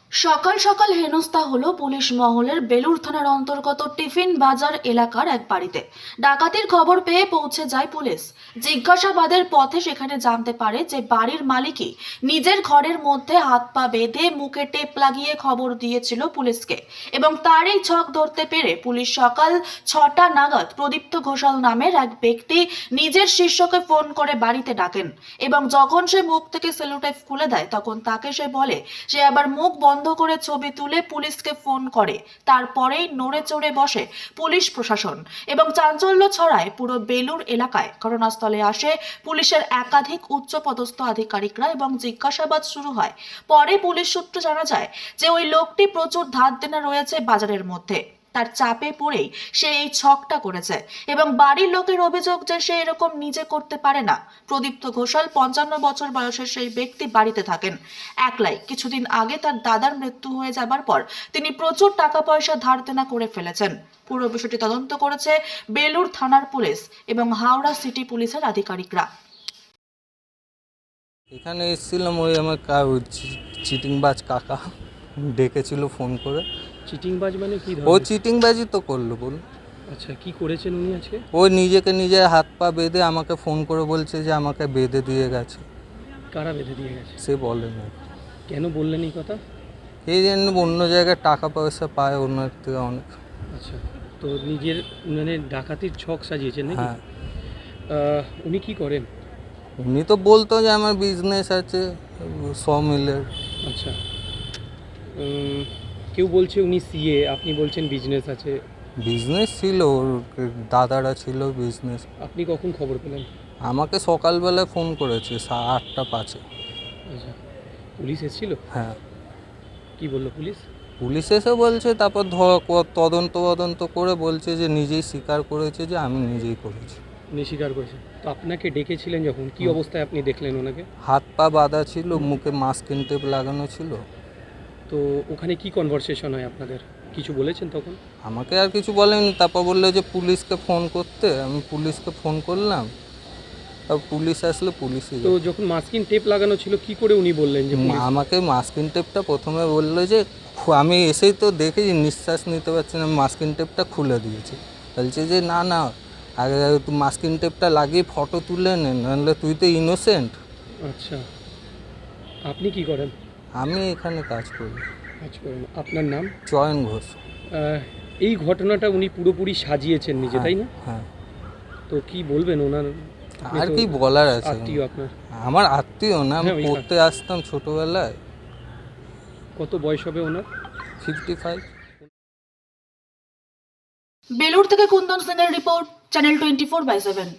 সকাল সকাল হেনস্থা হলো পুলিশ মহলের বেলুর থানার অন্তর্গত টিফিন বাজার এলাকার এক বাড়িতে। ডাকাতির খবর পেয়ে পৌঁছে যায় পুলিশ। জিজ্ঞাসাবাদের পথে সেখানে জানতে পারে যে বাড়ির মালিকই নিজের ঘরের মধ্যে হাত পা বেঁধে মুখে টেপ লাগিয়ে খবর দিয়েছিল পুলিশকে, এবং তারই ছক ধরতে পেরে পুলিশ সকাল 6টা নাগাদ প্রদীপ্ত ঘোষাল নামের এক ব্যক্তি নিজের শিষ্যকে ফোন করে বাড়িতে ডাকেন, এবং যখন সে মুখ থেকে সেলুটেপ খুলে দেয় তখন তাকে সে বলে সে আবার মুখ বন্ধ করে ছবি তুলে পুলিশকে ফোন করে। তারপরেই নড়ে চড়ে বসে পুলিশ প্রশাসন এবং চাঞ্চল্য ছড়ায় পুরো বেলুর এলাকায়। ঘটনাস্থলে আসে পুলিশের একাধিক উচ্চপদস্থ আধিকারিকরা এবং জিজ্ঞাসাবাদ শুরু হয়। পরে পুলিশ সূত্রে জানা যায় যে ওই লোকটি প্রচুর ধার দেনা রয়েছে বাজারের মধ্যে, তার চাপে পড়েই সে এই ছকটা করেছে, এবং বাড়ির লোকের অভিযোগ যে সে এরকম নিজে করতে পারে না। প্রদীপ্ত ঘোষাল 55 বছর বয়সের সেই ব্যক্তি বাড়িতে থাকেন একলাই। কিছুদিন আগে তার দাদার মৃত্যু হয়ে যাবার পর তিনি প্রচুর টাকা পয়সা ধার দেনা করে ফেলেছেন। পুরো বিষয়টি তদন্ত করেছে বেলুর থানার পুলিশ এবং হাওড়া সিটি পুলিশের আধিকারিকরা। এখানে এসেছিলাম, ওই আমার চিটিংবাজ কাকা ডেকেছিল ফোন করে। চিটিংবাজ মানে কি ও ধরনের? চিটিংবাজি তো করলো বল। আচ্ছা, কি করেছেন উনি আজকে? ওই নিজেকে নিজে হাত পা বেঁধে আমাকে ফোন করে বলছে যে আমাকে বেঁধে দিয়ে গেছে। কারা বেঁধে দিয়ে গেছে? সে বলে না, কেন বললেন এই কথা? এই জন্য অন্য জায়গায় টাকা পয়সা পায় অন্য থেকে অনেক। আচ্ছা, তো নিজের মানে ডাকাতির ছক সাজিয়েছেন নাকি? হ্যাঁ, উনি কি করেন? উনি তো বলতো যে আমার বিজনেস আছে মিলের। আচ্ছা, কেউ বলছে উনি সিএ, আপনি বলছেন বিজনেস আছে। বিজনেস ছিল, ওর দাদারা ছিল বিজনেস। আপনি কখন খবর পেলেন? আমাকে সকালবেলায় ফোন করেছে 8:05। আচ্ছা, পুলিশ এসেছিল? হ্যাঁ, কি বললো পুলিশ? পুলিশ এসে বলছে, তারপর তদন্ত করে বলছে যে নিজেই স্বীকার করেছে যে আমি নিজেই করেছি। উনি স্বীকার করেছেন। তো আপনাকে ডেকেছিলেন যখন, কি অবস্থায় আপনি দেখলেন ওনাকে? হাত পা বাঁধা ছিল, মুখে মাস্কিং টেপ লাগানো ছিল। তো ওখানে কি কনভারসেশন হয় আপনাদের? কিছু বলেছেন তখন? আমাকে আর কিছু বলেনি, তারপর বললো যে পুলিশকে ফোন করতে। আমি পুলিশকে ফোন করলাম, তারপর পুলিশ আসলে পুলিশই। তো যখন মাস্কিং টেপ লাগানো ছিল, কি করে উনি বললেন যে পুলিশ? আমাকে মাস্কিং টেপটা প্রথমে বললো যে আমি এসেই তো দেখেছি নিঃশ্বাস নিতে পারছি না, মাস্কিং টেপটা খুলে দিয়েছি। বলছে যে না না, আগে তুই মাস্কিং টেপটা লাগিয়ে ফটো তুলে নে, নাহলে তুই তো ইনোসেন্ট। আচ্ছা, আপনি কি করেন? আমি এখানে কাজ করি। কাজ করেন। আপনার নাম? চয়ন ঘোষ। এই ঘটনাটা উনি পুরোপুরি সাজিয়েছেন নিজে, তাই না? হ্যাঁ। তো কি বলবেন ওনার? আর কি বলার আছে? আত্মীয় আপনার? আমার আত্মীয় না, আমি হ্যাঁ, পড়তে আসতাম ছোটবেলায়। কত বয়স হবে ওনার? 55। বেলুর থেকে কুন্দন সিংয়ের রিপোর্ট, চ্যানেল 24/7।